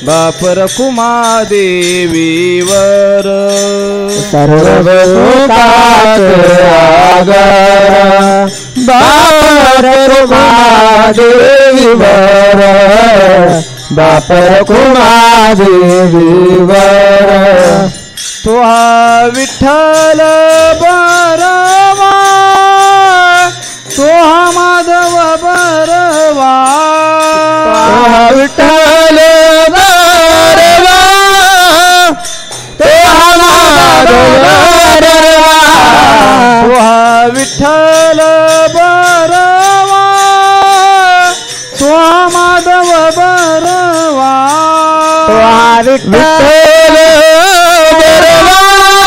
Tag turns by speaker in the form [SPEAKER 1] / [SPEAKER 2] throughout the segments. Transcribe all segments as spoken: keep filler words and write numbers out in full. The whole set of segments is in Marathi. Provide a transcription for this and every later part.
[SPEAKER 1] बाप रखुमा देवीवर
[SPEAKER 2] सर्व सुखात आगर बाप रखुमा देवीवर बाप रखुमा देवीवर
[SPEAKER 1] तो हा विठ्ठल बरवा तो हा माधव बरवा
[SPEAKER 2] विठ्ठल बरवा तो हा माधव बरवा
[SPEAKER 1] तो हा विठ्ठल बरवा तो हा माधव बरवा
[SPEAKER 2] तो हा विठ्ठल बरवा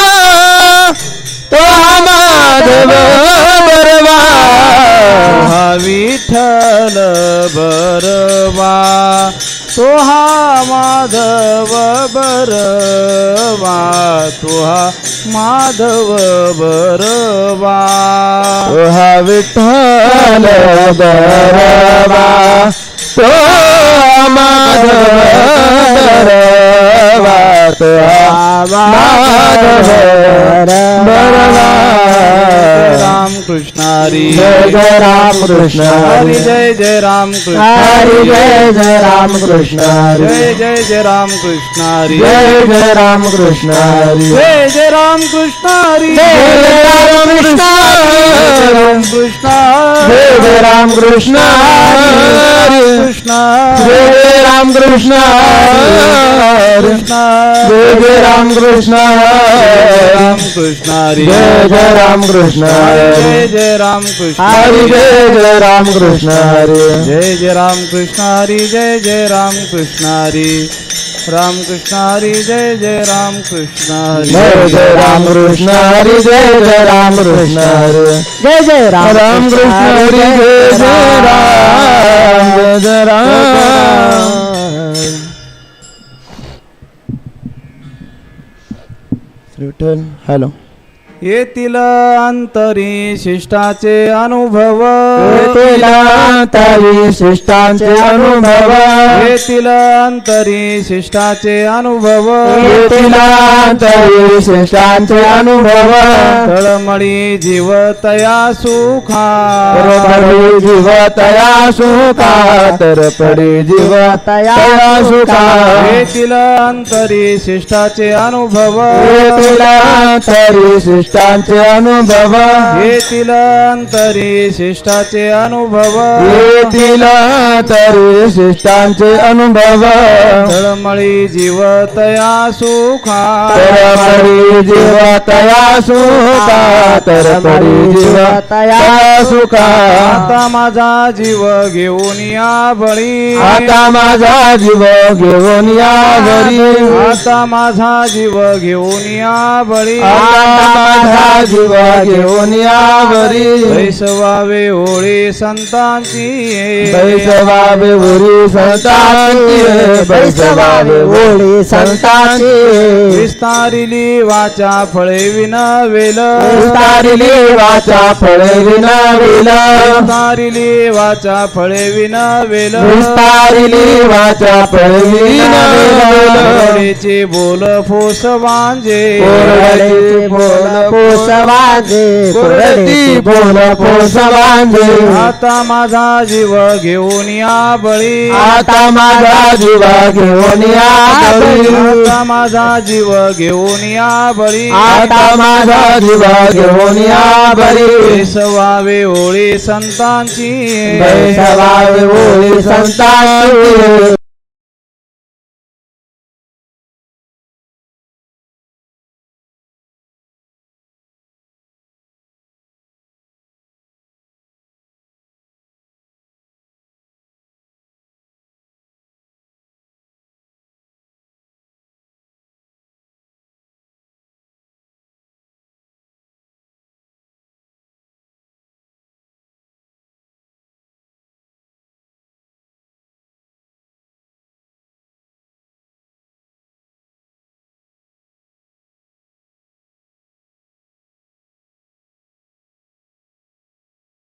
[SPEAKER 2] तो हा माधव बरवा
[SPEAKER 1] हा विठ्ठल बरवा तो हा माधव बरवा तो हा माधव बरवा
[SPEAKER 2] तो हा विठ्ठल बरवा तो हा माधव बरवा तो हा माधव बरवा
[SPEAKER 1] राम कृष्ण हरी
[SPEAKER 2] जय जय राम कृष्ण
[SPEAKER 1] हरी जय जय राम कृष्ण
[SPEAKER 2] हरी जय जय राम कृष्ण हरी
[SPEAKER 1] जय जय जय राम कृष्ण हरी
[SPEAKER 2] जय जय राम कृष्ण हरी
[SPEAKER 1] जय जय राम कृष्ण हरी
[SPEAKER 2] जय जय राम कृष्ण
[SPEAKER 1] राम कृष्ण
[SPEAKER 2] जय जय राम कृष्ण हरी
[SPEAKER 1] कृष्ण
[SPEAKER 2] जय जय राम कृष्ण हरी जय जय राम कृष्ण
[SPEAKER 1] राम कृष्ण हरी
[SPEAKER 2] जय जय राम कृष्ण
[SPEAKER 1] जय जय राम कृष्ण
[SPEAKER 2] हरी जय जय राम कृष्ण हरी
[SPEAKER 1] जय जय राम कृष्ण हरी जय जय राम कृष्ण हरी राम कृष्ण हरी जय जय राम कृष्ण हरी
[SPEAKER 2] जय जय राम कृष्ण हरी जय जय राम कृष्ण हरी जय जय राम राम कृष्ण हरी जय जय राम जय जय राम रिटर्न हॅलो
[SPEAKER 1] येतील अंतरी शिष्टाचे अनुभव
[SPEAKER 2] येतील अंतरी शिष्टांचे अनुभव
[SPEAKER 1] येतील अंतरी शिष्टाचे अनुभव
[SPEAKER 2] येतील अंतरी शिष्टांचे अनुभव
[SPEAKER 1] तळमळी जीव तया सुखा
[SPEAKER 2] तरपडी जीव तया सुखा तरपडी जीव तया सुखा
[SPEAKER 1] येतील अंतरी शिष्टाचे अनुभव
[SPEAKER 2] येतील अंतरी शिष्टांचे अनुभव
[SPEAKER 1] येतील अंतरी शिष्टाचे अनुभव
[SPEAKER 2] येतील तरी शिष्टांचे अनुभव
[SPEAKER 1] तळमळी जीव तया सुखा
[SPEAKER 2] तरपडी जीव तया सुखा तरपडी जीव तया सुखा
[SPEAKER 1] आता माझा जीव घेऊन या बळी
[SPEAKER 2] आता माझा जीव घेऊन या घरी
[SPEAKER 1] आता माझा जीव घेऊन या बळी
[SPEAKER 2] आता माझा जीव घेऊन या घरी
[SPEAKER 1] बैसवावे होळी संतांची
[SPEAKER 2] बैसवावे ओरी संतांची बैसवावे ओळी संतांची
[SPEAKER 1] विस्तारिली वाचा फळे विनवेल
[SPEAKER 2] विस्तारिली वाचा फळे विनविल
[SPEAKER 1] विस्तारिली वाचा फळे विनवेल
[SPEAKER 2] विस्तारिली वाचा फळे विनविल
[SPEAKER 1] कोरडेचे बोल फोस वांजे
[SPEAKER 2] कोरडेचे बोल पोसवाजे कोरडी बोल पोसवाजे
[SPEAKER 1] आता माझा जीव घेऊन या बळी
[SPEAKER 2] आता माझा जीव घेऊन या बळी
[SPEAKER 1] आता माझा जीव घेऊन या बळी
[SPEAKER 2] आता माझा जीव घेऊन या बळी
[SPEAKER 1] बैसवावे होळी संतांची
[SPEAKER 2] बैसवावे ओळी संतांची